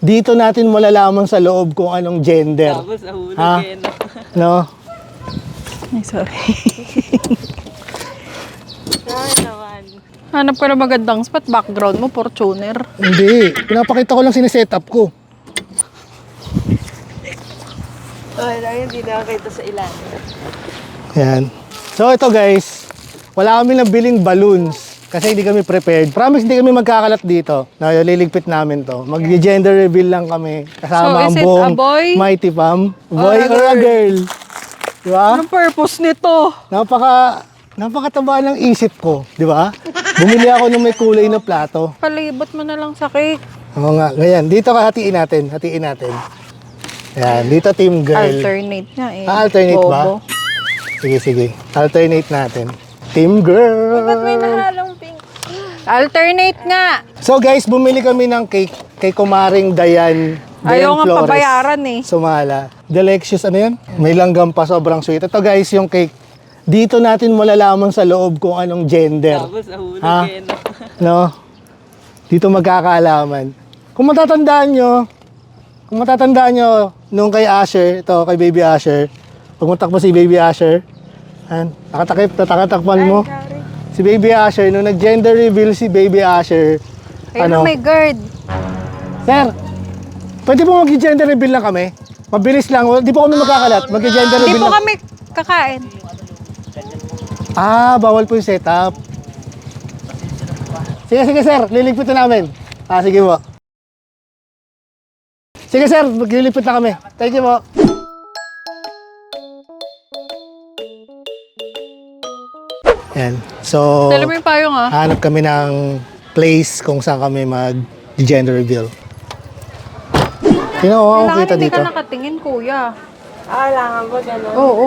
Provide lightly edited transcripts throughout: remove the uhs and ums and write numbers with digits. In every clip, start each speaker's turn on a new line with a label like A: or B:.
A: Dito natin malalaman sa loob kung anong gender.
B: Tapos nahulog
A: Ha? No?
C: Ay, sorry.
B: Sorry naman.
C: Hanap ka na magandang spot. Background mo, Fortuner.
A: Hindi. Pinapakita ko lang sineset-up ko.
B: Ay, lang hindi nakakita sa ilan.
A: Yan. So ito guys, wala kami nabiling balloons kasi hindi kami prepared. Promise hindi kami magkakalat dito. Na liligpit namin to. Mag-gender reveal lang kami kasama
C: So,
A: ang
C: is it
A: buong
C: a boy?
A: Mighty Fam. Boy or a girl? Di ba?
C: Anong purpose nito?
A: Napakataba ng isip ko, di ba? Bumili ako ng may kulay na plato.
C: Palibot mo na lang sa cake.
A: Oo nga, ganyan. Dito ka hatiin natin. Yan, dito team girl.
C: Alternate nga eh.
A: Alternate ba?
C: Bobo.
A: Sige. Alternate natin. Team girl.
B: Ba't may nahalong pink?
C: Alternate nga.
A: So guys, bumili kami ng cake kay Kumaring Dayan.
C: Ayaw nga
A: Flores.
C: pabayaran eh.
A: Sumala. Delicious, ano yan? May langgam pa, sobrang sweet. Ito guys, yung cake. Dito natin malalaman sa loob kung anong gender.
B: Tapos nahulog
A: Ha?
B: no?
A: No? Dito magkakaalaman. Kung matatandaan nyo, nung kay Asher, ito kay Baby Asher, pag matakbo si Baby Asher, nakatakpan mo. Si Baby Asher, nung nag-gender reveal si Baby Asher,
C: Ayun may guard.
A: Sir, pwede po mag-gender reveal lang kami? Mabilis lang, di po kami magkakalat, mag-gender
C: Hindi
A: reveal
C: po
A: lang.
C: kami kakain.
A: Bawal po yung setup. Sige sir, liligpit na namin. Sige po. Sige sir, maglilipit na kami. Thank you po. Yan. So,
C: Dala mo yung payong ah.
A: hanap kami ng place kung saan kami mag-gender reveal.
C: Kailangan
A: kita
C: hindi
A: dito.
C: ka nakatingin, kuya.
B: Kailangan ba gano'n?
C: Oo.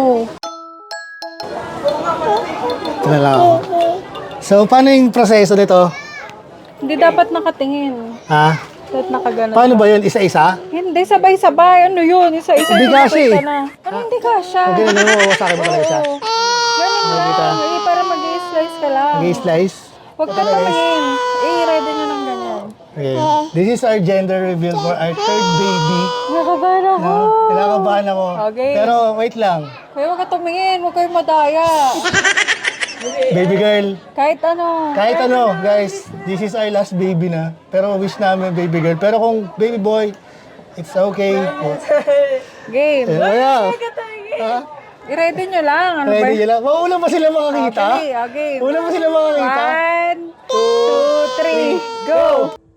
A: Ito na lang ako. So, paano yung proseso nito?
C: Hindi dapat nakatingin.
A: Ha?
C: Dapat nakaganon.
A: Paano ba yun? Isa-isa?
C: Hindi, sabay-sabay. Ano yun? Isa-isa.
A: Hindi kasha eh.
C: Ano hindi kasha?
A: Okay na naman, wawasakin mo talaga siya.
C: Ganun lang. Eh, para mag-i-slice ka lang.
A: Mag-i-slice.
C: Huwag ka tumingin. Ready nyo ng ganyan.
A: Okay. This is our gender reveal for our third baby.
C: Nakabahan ako.
A: No? Kinakabahan ako.
C: Okay.
A: Pero wait lang.
C: Kuya, huwag ka tumingin. Huwag kayo madaya.
A: Baby girl.
C: Kahit ano.
A: Kahit ano, guys. This is our last baby na. Pero wish namin baby girl. Pero kung baby boy, it's okay.
C: Game.
A: Yeah. Ha?
C: I-ready nyo lang. Ano ba?
A: Ready nyo lang. Maulan pa sila makakita?
C: Okay.
A: Maulan pa sila makakita?
C: 1, 2, 3, go!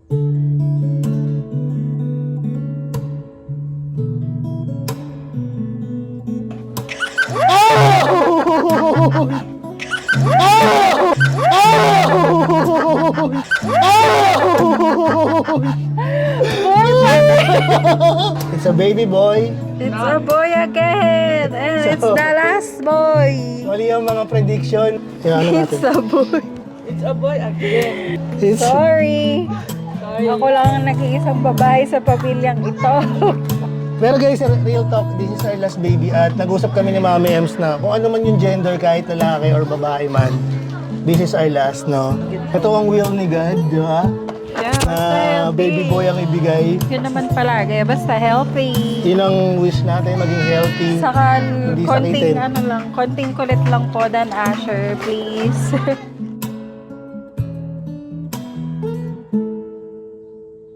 A: It's a baby boy.
C: It's a boy again! And it's the last boy!
A: Mali ang mga prediction. Yung ano natin.
C: It's a boy.
B: It's a boy again.
A: It's,
C: Sorry. Ako lang ang nag-iisang babae sa pamilyang ito.
A: Pero guys, real talk, this is our last baby at nag-usap kami ni Mami Ems na kung ano man yung gender, kahit lalaki or babae man, this is our last, no? Ito ang will ni God, di ba?
C: Yeah, basta
A: Na
C: healthy.
A: baby boy ang ibigay.
C: Yun naman palagi. Basta healthy.
A: Yun ang wish natin, maging healthy.
C: Saka
A: Hindi
C: konting
A: sakitin.
C: konting kulit lang po, Dan Asher, please.